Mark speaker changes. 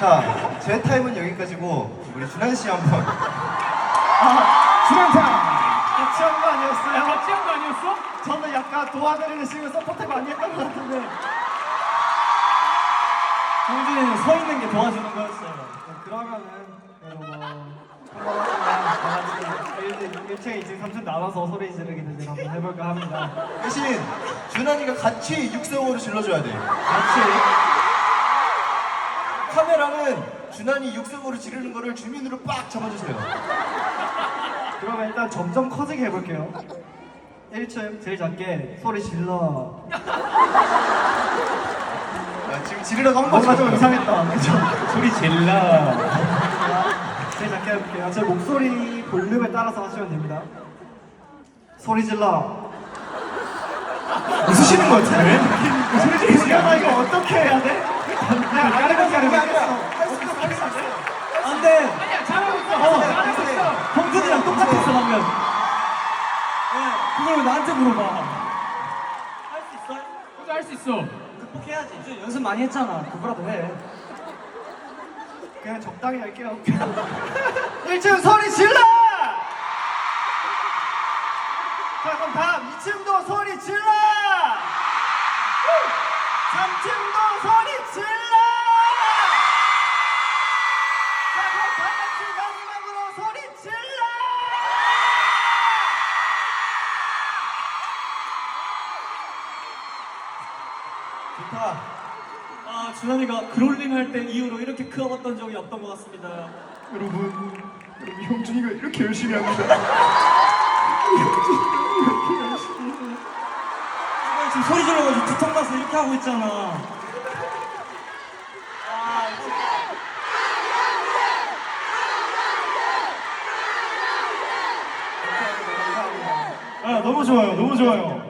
Speaker 1: 자, 제 타임은 여기까지고 우리 준한 씨 한번.
Speaker 2: 준한 타임. 같이 한 거 아니었어요?
Speaker 3: 같이 한 거 아니었어?
Speaker 2: 저는 약간 도와드리는 식으로 서포트 많이 했던 것 같은데.
Speaker 4: 성준이는 서 있는 게 도와주는 거였어요.
Speaker 2: 그러면은 한번 1층, 2층, 3층 나눠서 소리 지르기 대전 한번 해볼까 합니다.
Speaker 1: 대신 준한이가 같이 육성으로 질러줘야 돼.
Speaker 2: 같이.
Speaker 1: 카메라는 준한이 육성으로 지르는 거를 주민으로 빡 잡아주세요.
Speaker 2: 그러면 일단 점점 커지게 해볼게요. 1층 제일 작게 소리 질러.
Speaker 1: 야, 지금 지르려고 한
Speaker 2: 뭔가
Speaker 1: 거죠?
Speaker 2: 좀 이상했다. 그죠?
Speaker 3: 소리 질러.
Speaker 2: 제일 작게 해볼게요. 제 목소리 볼륨에 따라서 하시면 됩니다. 소리 질러.
Speaker 1: 웃으시는 거 같은데?
Speaker 2: 소리 질러. 이거 어떻게 해야 돼?
Speaker 1: 아니야,
Speaker 4: 안 돼!
Speaker 3: 아니야, 잘하고 있어. 잘하고 있어.
Speaker 4: 형준이랑 똑같았어, 방금. 왜? 그걸 왜 나한테 물어봐? 할 수 있어?
Speaker 3: 혼자 할 수 있어.
Speaker 4: 극복해야지. 이제 연습 많이 했잖아. 그거라도 해.
Speaker 2: 그냥 적당히 할게요. 1층 소리 질러! 자, 그럼 다음 2층도 소리 질러! 3층도 소리 질러! 자, 그럼 다 같이 마지막으로 소리 질러!
Speaker 1: 좋다.
Speaker 4: 아, 준환이가 그롤링 할 때 이후로 이렇게 크어봤던 적이 없던 것 같습니다.
Speaker 1: 여러분 형준이가 이렇게 열심히 합니다.
Speaker 4: 지금 소리 질러가지고 두통 나서 이렇게 하고 있잖아.
Speaker 2: 아, 너무 좋아요, 너무 좋아요.